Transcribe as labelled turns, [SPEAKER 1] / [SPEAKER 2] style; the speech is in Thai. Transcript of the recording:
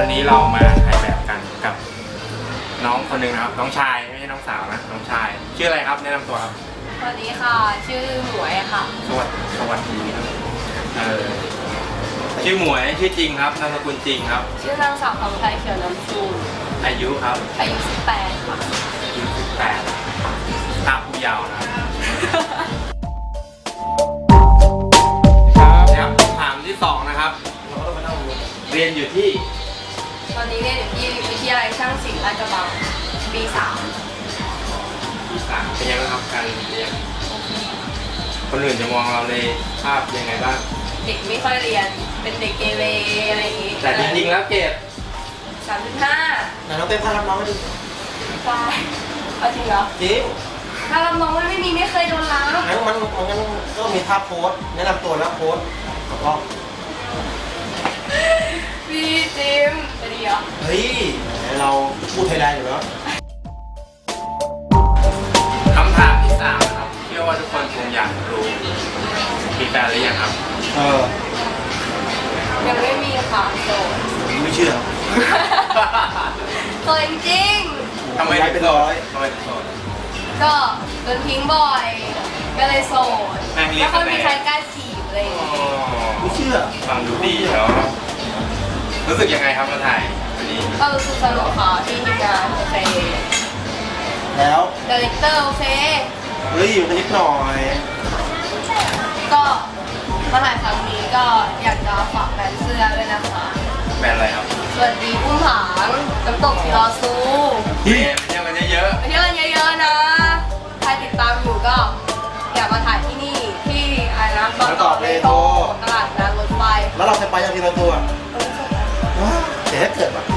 [SPEAKER 1] วันนี้เรามาถ่ายแบบกันกับน้องคนหนึ่งนะครับน้องชายไม่ใช่น้องสาวนะน้องชายชื่ออะไรครับแนะนำตัวครับ
[SPEAKER 2] สวัสดีค่ะชื่อหมวยค่ะ
[SPEAKER 1] สวัสดีครับชื่อหมวยชื่อจริงครับนามสกุลจริงครับ
[SPEAKER 2] ชื่อนางสาวคำไทยเขียวน้ำชู
[SPEAKER 1] อายุครับ
[SPEAKER 2] อายุ18ค่ะ
[SPEAKER 1] อายุ18ตามผู้เยาว์นะครับครับคำถามที่2นะครับเรียนอยู่ที่
[SPEAKER 2] ตอนนี้เรียนอยู่ที่วิทยาลัยช่างศิลป์ลาดกระบังปี
[SPEAKER 1] ปี3เป็นยังไงครับการเรียนคนอื่นจะมองเราในภาพยังไงบ้าง
[SPEAKER 2] 3เด็กไม่ค่อยเรียนเป็นเด็กเกเรอะไรอย่างงี้
[SPEAKER 1] แต่จริงๆแล้วเกรด
[SPEAKER 2] 3.5
[SPEAKER 3] ไหนน้องเต้นพารับน้องให้ดู
[SPEAKER 2] ไปเอาจริงเหรอ
[SPEAKER 3] จริง
[SPEAKER 2] ถ้ารับน้องไม่มีไม่เคยโดนล้าง
[SPEAKER 3] งั้นมันก็มีท่าโพสแนะนำตัวแล้วโพสแล้วก็
[SPEAKER 2] พี่จิมจะดีเหรอ
[SPEAKER 3] เฮ้ยเราพูดไทยได้อยู่แล้ว
[SPEAKER 1] คำถามที่3นะครับเชื่อว่าทุกคนคงอยากรู้มีแฟนหรือยังครับ
[SPEAKER 2] ยังไม่มีค่ะโสด
[SPEAKER 3] ไม่เชื่อ
[SPEAKER 2] เคยจริง
[SPEAKER 1] ทำไม
[SPEAKER 3] ย้าย
[SPEAKER 1] ถึ
[SPEAKER 3] ไป
[SPEAKER 1] งโส
[SPEAKER 3] ร้
[SPEAKER 1] ด
[SPEAKER 3] อย
[SPEAKER 1] ทำไมถึงโสด
[SPEAKER 2] ก็โดนทิ้งบ่อย ก็เลยโสด
[SPEAKER 1] แม่งเรีย
[SPEAKER 2] แล้
[SPEAKER 1] ก
[SPEAKER 2] วก็
[SPEAKER 1] กันแน่
[SPEAKER 2] มีใครกล้าจีบอะไรอย่างเงี้ย
[SPEAKER 3] ไม่เชื่อ
[SPEAKER 1] ฟังดูดีแล้วรู้สึกยังไงครับมาถ่ายวันนี้
[SPEAKER 2] ก็รู้สึกสนุกค่ะที่ทีมงานโอเค
[SPEAKER 3] แล้ว
[SPEAKER 2] ดีเรคเตอร์โอเค
[SPEAKER 3] เฮ้ยอยู่กันนิดหน่อย
[SPEAKER 2] ก็มาถ่ายครั้งนี้ก็อยากจะฝากแบรนด์เสื้อด้วยนะคะ
[SPEAKER 1] แบรนด์อะไรครับ
[SPEAKER 2] สวัสดีอุ้มผางน้ำตกทีรอซู
[SPEAKER 1] เฮ้ยไปเที่ยวกันเยอะ
[SPEAKER 2] ไปเที่ยวกันเยอะๆนะ ใครติดตามอยู่ก็อยากมาถ่ายที่นี่ที่อะไรนะบางกอกเลโทตลาดนัดรถไฟ
[SPEAKER 3] แล้วเราเคยไปยังทีละตัวว้าวแต่ถ้าเกิดแบบ